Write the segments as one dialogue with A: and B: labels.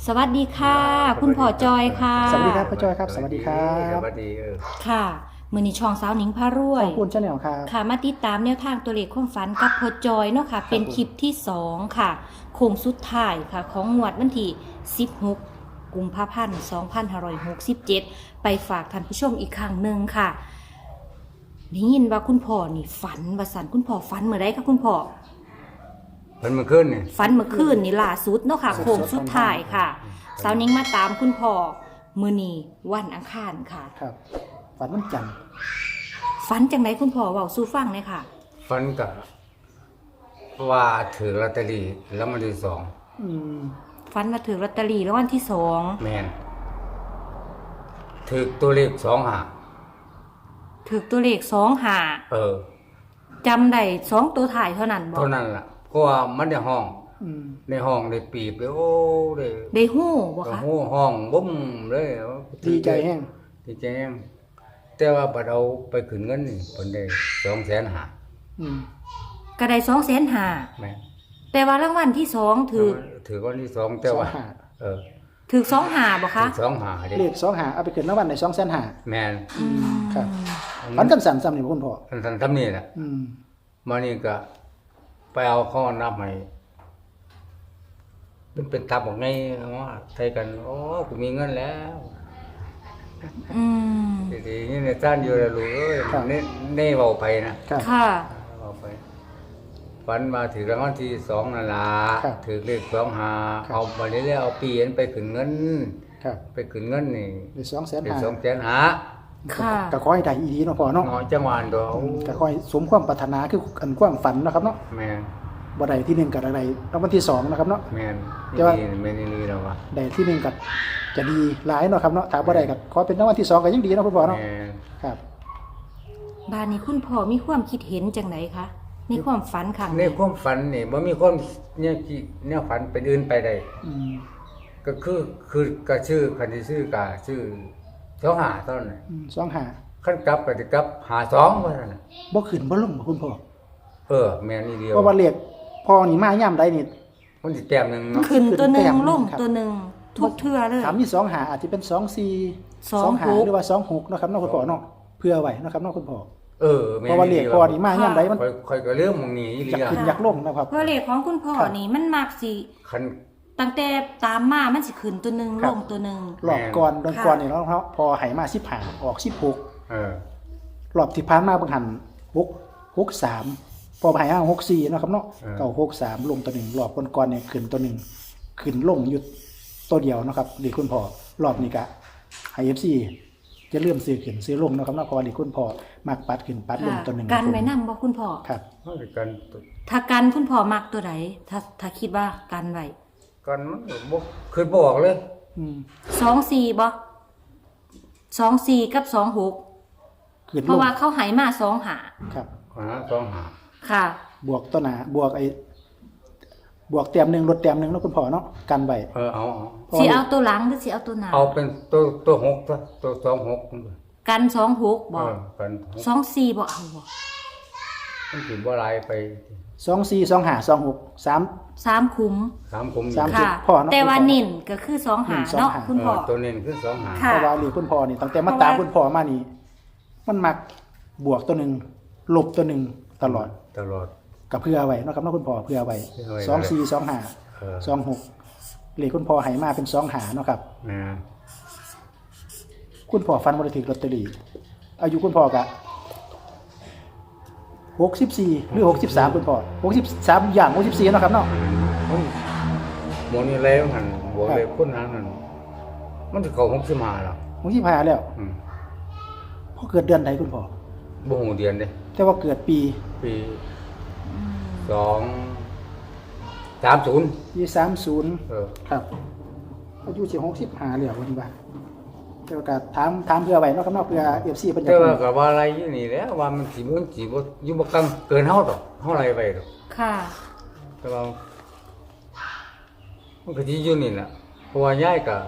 A: สวัสดีค่ะคุณพ่อจอยค่ะ
B: สวัสดีครับพ่อจอยครับสวัสดีครับ
C: สวัสดี
A: ค่ะมื้อนี้ช่องสาวหนิงพารวย
B: ขอบคุณชาแนลครับ
A: ค่ะมาติดตามแนวทางตัวเลขความฝันกับพ่อจอยเนาะค่ะเป็นคลิปที่2ค่ะโค้งสุดท้ายค่ะของงวดวันที่16กุมภาพันธ์2567ไปฝากท่านผู้ชมอีกครั้งหนึ่งค่ะได้ยินว่าคุณพ่อนี่ฝันว่าสันคุณพ่อฝันเมื่อไรคะคุณพ่อ
C: มันมาขึ้นเนี่ย
A: ฝันเมื่อคืนนี่ล่าสุดเนาะค่ะโค้งสุดท้ายค่ะสาวนิ้งมาตามคุณพ่อมื้อนี้วันอังคารค่ะ
B: ครับฝันวันจันทร์
A: ฝันจังไหนคุณพ่อเว้าสู่ฟังเลยค่ะ
C: ฟันกับว่าถือลอตเตอรี่แล้วมันที่สอง
B: อืม
A: ฝันมาถือลอตเตอรี่แล้ววันที่2
C: แมนถือตัวเลข2 หา
A: ถือตัวเลข2 5จำได้2ตัวถ่ายเท่านั้นบ่
C: เท่านั้นล่ะเพราะว่ามันในห้อง
B: อืม
C: ในห้องได้ปีบเลยโอ้เลย
A: ได้ฮู้บ่คะ
C: โอ้ห้องบุ้มเลย
B: ดีใจแห้ง
C: ดีใจแห้งแต่ว่าบัดเอาไปขึ้นเงินนี่เพิ่นได้200,000หา
B: อืม
A: ก็ได้250,000
C: แม่น
A: แต่ว่ารางวัลที่2ถือ
C: ถือวันที่สองแต่ว่า
B: 2 หา
A: ถือ25บ่คะ
C: ถือ2 หาเด้
B: เลข2 หาเอาไปขึ้นรางวัลใน2 5 0 0 0
C: แม่น
B: ครับฝันกันสั่นซ้ำนี่บ่คุณพ่อ
C: ท่านทำนี่แหละ
B: อืม
C: มานี่ก็ไปเอาข้อนับให้มันเป็นตับของไงว่าไทยกันโอ้กูมีเงินแล้ว
A: อืม
C: ทีนี้ในท่านอยู่แล้วลูกเอ้ยเน่เบาไปนะครับ
A: ค่ะ
C: เบาไปฝันมาถือรางวัลที่2นั่นล่ะถือเลข2 หาเอาไปเรื่อยๆเอาปีนไปขึ้นเงิน
B: ครับ
C: ไปขึ้นเงินนี่
B: ได้2 5 0
C: ได้
B: 0 0
C: 200,000หา
A: ค่ะ
B: ก็ขอให้ได้อีดีเนาะพ่อเนาะ
C: เนาะจังหวะตัว
B: ก็ขอให้สมความปรารถนาคืออันความฝันเนาะครับเนาะ
C: แม่น
B: บ่ได้ที่1ก็ได้รางวัลที่2นะครับเนาะ
C: แม่น
B: แต่ว่า
C: นี่แม่นี่แล้วว่า
B: ได้ที่1ก็จะดีหลายเนาะครับเนาะถ้าบ่ได้ก็ขอเป็นรางวัลที่2ก็ยังดีเนาะคุณพ่อเนาะ
C: แม่น
B: ครับ
A: บ้านนี้คุณพ่อมีความคิดเห็นจังไหนคะในความฝันครั้ง
C: ใน
A: นี้
C: ความฝันนี่บ่มีความเนี่ยฝันเป็นอื่นไปได้
B: อืม
C: ก็คือก็ชื่อคันที่ชื่อกะชื่อ25เท่านั้นน่ะ
B: 2 5
C: คันกลับก็สิกลับ52ว่าซั่นน่ะ
B: บ่ขึ้นบ่ลงบ่คุณพ่อ
C: แม่นอีเดียว
B: เพราะว่าเลขพ่อนี่มาย่ำใดนี่
C: มันสิแต้มหนึงเนาะ
A: ขึ้นตัวหนึ่
B: ขึ้นแต้
A: ง
B: ม
A: ลง
B: ครับ
A: ตัวหนึ่งทุกเทื่อเลย
B: ถามมี2 หาอาจจะเป็น2 4 2 หา
A: 26
B: หรือว่า2 6เนาะครับเนาะคุณพ่อเนาะเพื่อไว้เนาะครับเนาะคุณพ่อ
C: แม่น
B: เพราะว่าเลขพ่อนี่มาย่ำใดมัน
C: ค่อยก็เรื่องหมึงนี้อีหลี
B: อยาก
C: อ่ะ
B: ขึ้นอยากลงนะครับ
A: เพราะเลขของคุณพ่อนี่มันมักสิ
C: คัน
A: ตั้งแต่ตามมามันสิขึ้นตัวหนึ่ง
B: ครั
A: ล
B: บ
A: งตัวหนึ่ง
B: รอบก่อนโดน
A: ค่ะ
B: ก่อนนี่เนาะครับพอให้มา15ออก16รอบที่ผ่านมาเบิ่งหัน63พอให้มา64เนาะครับเนาะเก่า63ลงตัวหนึงรอบก่อนๆเนี่ยขึ้นตัวหนึงขึ้นลงอยู่ตัวเดียวเนาะครับเลขคุณพ่อรอบนี้ก็ให้ FC จะเริ่มซื้อขึ้นซื้อลงเนาะครับเนาะเพราะว่าเลขคุณพ่อมักปัดขึ้นปัดลง
A: ค่ะ
B: ตัวหนึง
A: กันไว้นำบ่คุณพ่อ
B: ครับ
C: มันก็กัน
A: ถ้ากันคุณพ่อมักตัวไหนถ้าคิดว่ากันไว้
C: กันมันก็บ่คือบ่ออกเลย
B: อืม
A: 24บ่24กับ26
B: ขึ้น
A: เพ
B: ล
A: ราะ
B: ง
A: ว่าเขาให้มา2หา
B: ครับ
C: 2 หา
A: ค่ะ
B: บวกตัวหนาบวกบวกเต็มหนึ่งลดเต็มหนึ่งเนาะคุณพ่อเนาะกันไว้
C: เอา
A: สิเอาตัวหลังหรือสิเอาตัวหน้า
C: เอาเป็นตัว6ตัว26
A: กัน26บ่
C: กัน
A: 24บ่เอาบ่
C: มันสิบ่หลายไป
B: 24 25 26
A: 3คุ้ม
C: 3ผม
B: สาม
A: ค่ะ
B: พ่อเนาะ
A: แต่ว่าเน้นก็คือ2หาเนาะ
B: 2หา
A: คุณพ่อ
C: ตัวนี้คือ2 หา
A: ค่ะ
B: เพราะว่าหรือคุณพ่อนี่ตั้งแต่มาตามคุณพ่อมานี่ มันมักบวกตัวหนึ่งลบตัวหนึ่งตลอด
C: ตลอด
B: กับเพื่อไว้เนาะครับเนาะคุณพ่อเพื่อไว้
C: เพื่อไว้
B: 24 25 26เลขคุณพ่อให้มาเป็น2หาเนาะครับ
C: นะ
B: คุณพ่อฟันบ่ได้ถือลอตเตอรี่อายุคุณพ่อกะ64หรือ63คุณพ่อ63อย่าง64เนาะครับเนาะ
C: หมอนี่แล้วหันบวกเลยคนนั้นนั่นมันสิเข้า65แล้ว
B: 65แล้วพ่อเกิดเดือนใดคุณพ่อ
C: บ่ฮู้เดือนเด้
B: แต่ว่าเกิดปี
C: ปี230
B: ปี30
C: เออ
B: ครับอายุสิ65แล้ววันนี้ว่าแต่ว่าก็ถามเพื่อไว้เนาะครับเนาะเพื่อ FC เพิ่นจะ
C: แต่ว่าก็ว่าอะไรอยู่นี่แหล้วว่ามันสิบ่อยู่บ่กังเกินเฮาดอกเฮาไรไปดอก
A: ค่ะ
C: แต่ว่ามันก็สิอยู่นี่แหละเพราะว่ายายก็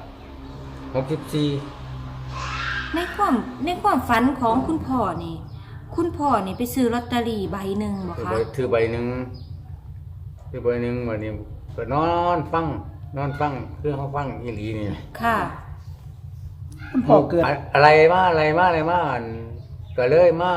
C: 64
A: ในความฝันของคุณพ่อนี่ คุณพ่อนี่ไปซื้อลอตเตอรี่ใบหนึ่งบ่คะ
C: ถือใบหนึ่งวันนี้ก็นอนฟังนอนฟังคือเขาฟังอีหลีนี่
A: ค่ะ
B: คุณพ่อเกิด
C: อะไรมาอันก็เลยมา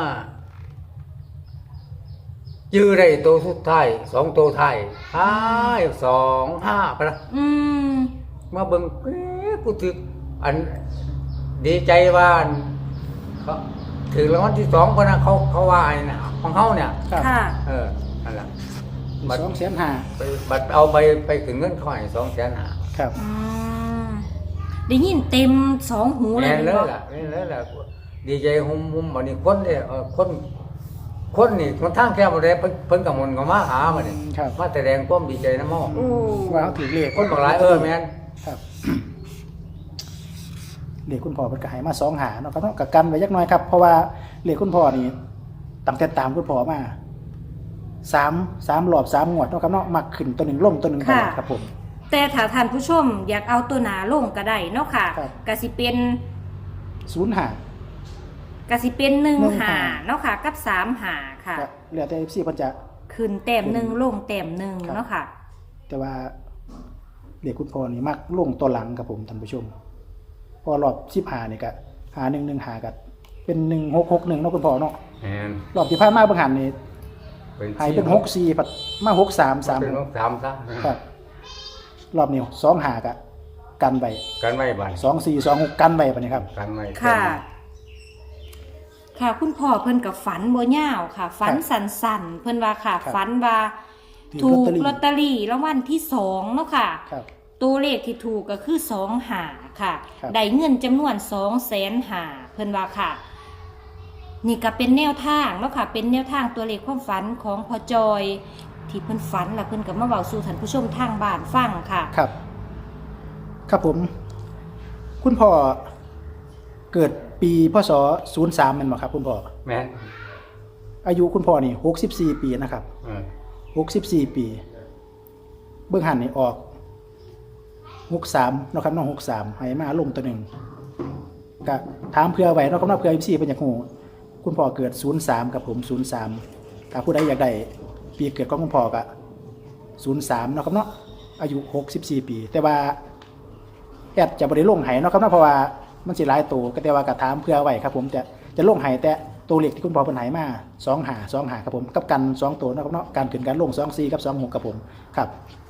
C: ยื้อได้ตัวสุดท้าย2ตัวท้าย2 5ไปละ
A: อืม
C: มาเบิ่งเอ๊ะกูถึกอันดีใจว่าอันเขาถึงรางวัลที่2คนน่ะเขาว่าอันน่ะของเขาเนี่ย
B: ครับ
A: ค่ะ
C: นั่นล่ะ
B: 2,500,000
C: ไปบัดเอาไปถึงเงินเขาให้250,000
B: ครับ
A: อืมได้ยินเต็ม2 หูเลย
C: แม่นเลย
A: บ่
C: ล่ะแม่นเลยล่ะดีใจหุ่มบัดนี้คนเนี่ยคนนี่มันทางแค่บ่ได้เพิ่นก็มนต์ก็มาหาบัดนี้
B: ครับ
C: มาแสดงความดีใจนำเฮา
A: โอ้
B: ว่าเขาถือเลข
C: คนบอกหลายแม่น
B: ครับ เลขคุณพ่อเป็นกระหายมา2 หาเนาะครับเนาะกับกันไว้ยักหน้อยครับ เพราะว่าเลขคุณพ่อนี่ตั้งแต่ตามคุณพ่อมา3รอบ3งวดเนาะครับเนาะมักขึ้นตัวหนึ่งลงตัวหนึ่งไปครับผม
A: แต่ถ้าท่านผู้ชมอยากเอาตัวหนาลงก็ได้เนาะค่ะ
B: ครับ
A: ก็สิเป็น
B: 0 หา
A: ก็สิเป็น
B: หนึ่ง
A: 1
B: หา
A: หาเนาะค่ะ กับ3 หาค่ะ
B: ก็เหลือแต่ FC เพิ่นจะ
A: ขึ้นแต้มหนึ่งลงแต้มหนึ่ง
B: ครับ
A: เนาะค่ะ
B: แต่ว่าเลขคุณพ่อนี่มักลงตัวหลังครับผมท่านผู้ชมพอรอบ15นี่ก็หา1 1หาก็เป็น1661เนาะคุณพ่อเนาะ
C: แม่น
B: รอบที่ผ่านมาเบิ่งหันนี่ให้เป็น64ปัดมา63
C: เป็น
B: 3
C: 3ซะ
B: ครับรอบนี้2 หากะกันไว้
C: กันไว้บัด
B: 2 4 2 6กันไว้ปะนี่ครับ
C: กันไว้
A: ค่ะ ค่ะคุณพ่อเพิ่นกับฝันบ่ยาวค่ะ ฝันสั่นๆเพิ่นว่าค่ะ
B: ครับ
A: ฝันว่า
B: ถู
A: ถู
B: ก
A: ก
B: ล
A: ล
B: อ
A: อ
B: ต
A: ต
B: เต
A: เต
B: อ
A: อ
B: รี่
A: รี่รางวัลที่2เนาะค่ะ
B: ครับ
A: ตัวเลขที่ถูกก็คือ2 หาค่ะ
B: ครับ
A: ได้เงินจำนวน200,000 หาเพิ่นว่าค่ะ นี่ก็เป็นแนวทางเนาะค่ะ เป็นแนวทางตัวเลขความฝันของพ่อจอย ที่เพิ่นฝันแล้วเพิ่นก็มาเว้าสู่ท่านผู้ชมทางบ้านฟังค่ะ
B: ครับ ครับผม คุณพ่อเกิดปีพศ03แม่นบ่ครับคุณพ่อ
C: แม่น
B: อายุคุณพ่อนี่64ปีนะครับ
C: เออ
B: 64ปีเบิ่งหันนี่ออก63เนาะครับน้อง63ให้มาลงตัวหนึงก็ถามเพื่อไว้เนาะครับเนาะเพื่อ FC เพิ่นอยากฮู้คุณพ่อเกิด03กับผม03ถ้าผู้ใดอยากได้ปีเกิดของคุณพ่อก็03เนาะครับเนาะอายุ64ปี แต่ว่าแอดจะบ่ได้ลงให้เนาะครับเนาะเพราะว่ามันสิหลายตัวก็แต่ว่าก็ถามเพื่อไว้ครับผมจะลงให้แต่ตัวเลขที่คุณพ่อเพิ่นให้มา2 หาครับผมกับกัน2ตัวเนาะครับเนาะการขึ้นการลง24กับ26ครับผมครับ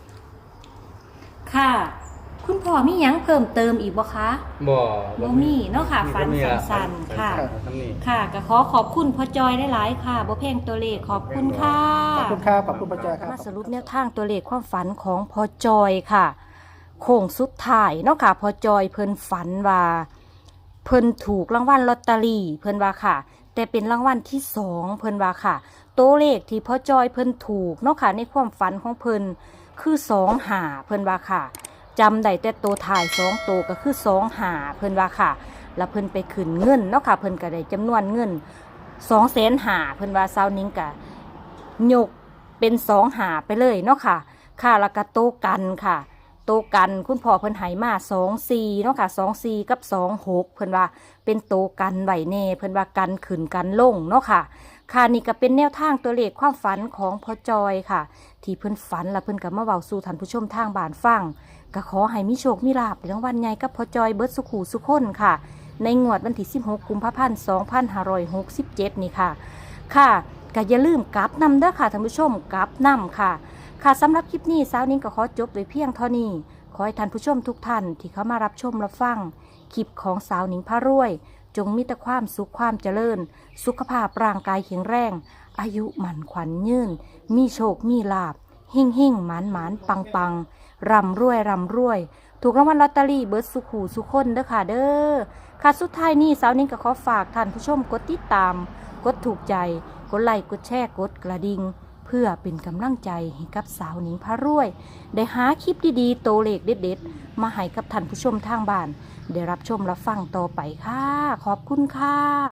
A: ค่ะ คุณพ่อมีหยังเพิ่มเติมอีกบ่คะ
C: บ่
A: มีเนาะค่ะ ฝัน
C: มีล่
A: สั้นๆค่ะ
C: ทำนี่
A: ค่ะก็ขอบคุณพ่อจอยหลายๆค่ะบ่แพงตัวเลขขอบคุณค่ะ
B: ขอบคุณครับขอบคุณพระเจ้าครับ
A: มาสรุปแนวทางตัวเลขความฝันของพ่อจอยค่ะโค้งสุดท้ายเนาะค่ะพ่อจอยเพิ่นฝันว่าเพิ่นถูกรางวัลลอตเตอรี่เพิ่นว่าค่ะ แต่เป็นรางวัลที่2เพิ่นว่าค่ะตัวเลขที่พ่อจอยเพิ่นถูกเนาะค่ะในความฝันของเพิ่นคือ2 หาเพิ่นว่าค่ะจำได้แต่ตัวถ่าย2ตัวก็คือ2 หาเพิ่นว่าค่ะแล้วเพิ่นไปขึ้นเงินเนาะค่ะเพิ่นก็ได้จำนวนเงิน200,000 หาเพิ่นว่าซาวนิ้งก็ยกเป็น2 หาไปเลยเนาะค่ะค่ะแล้วก็โตกันค่ะโตกันคุณพ่อเพิ่นให้มา24เนาะค่ะ24กับ26เพิ่นว่าเป็นโตกันไว้แน่เพิ่นว่ากันขึ้นกันลงเนาะค่ะค่ะนี่ก็เป็นแนวทางตัวเลขความฝันของพ่อจอยค่ะที่เพิ่นฝันแล้วเพิ่นก็มาเว้าสู่ท่านผู้ชมทางบ้านฟังก็ขอให้มีโชคมีลาภในรางวัลใหญ่กับพ่อจอยเบิดสุขูสุขคนค่ะในงวดวันที่16กุมภาพันธ์2567นี่ค่ะค่ะก็อย่าลืมกลับนำเด้อค่ะท่านผู้ชมกลับนำค่ะค่ะสำหรับคลิปนี้สาวนิ้งก็ขอจบไว้เพียงเท่านี้ขอให้ท่านผู้ชมทุกท่านที่เข้ามารับชมรับฟังคลิปของสาวนิ้งพารวยจงมีแต่ความสุขความเจริญสุขภาพร่างกายแข็งแรงอายุหมั่นขวัญยืนมีโชคมีลาภหิ่งหมานปังปังร่ำรวยถูกรางวัลลอตเตอรี่เบิร์ดสุขูสุขคนเด้อค่ะเด้อค่ะสุดท้ายนี้สาวนิ้งก็ขอฝากท่านผู้ชมกดติดตามกดถูกใจกดไลค์กดแชร์กดกระดิ่งเพื่อเป็นกำลังใจให้กับสาวนิ้งพารวยได้หาคลิปดีๆโตเลขเด็ดๆมาให้กับท่านผู้ชมทางบ้านได้รับชมรับฟังต่อไปค่ะขอบคุณค่ะ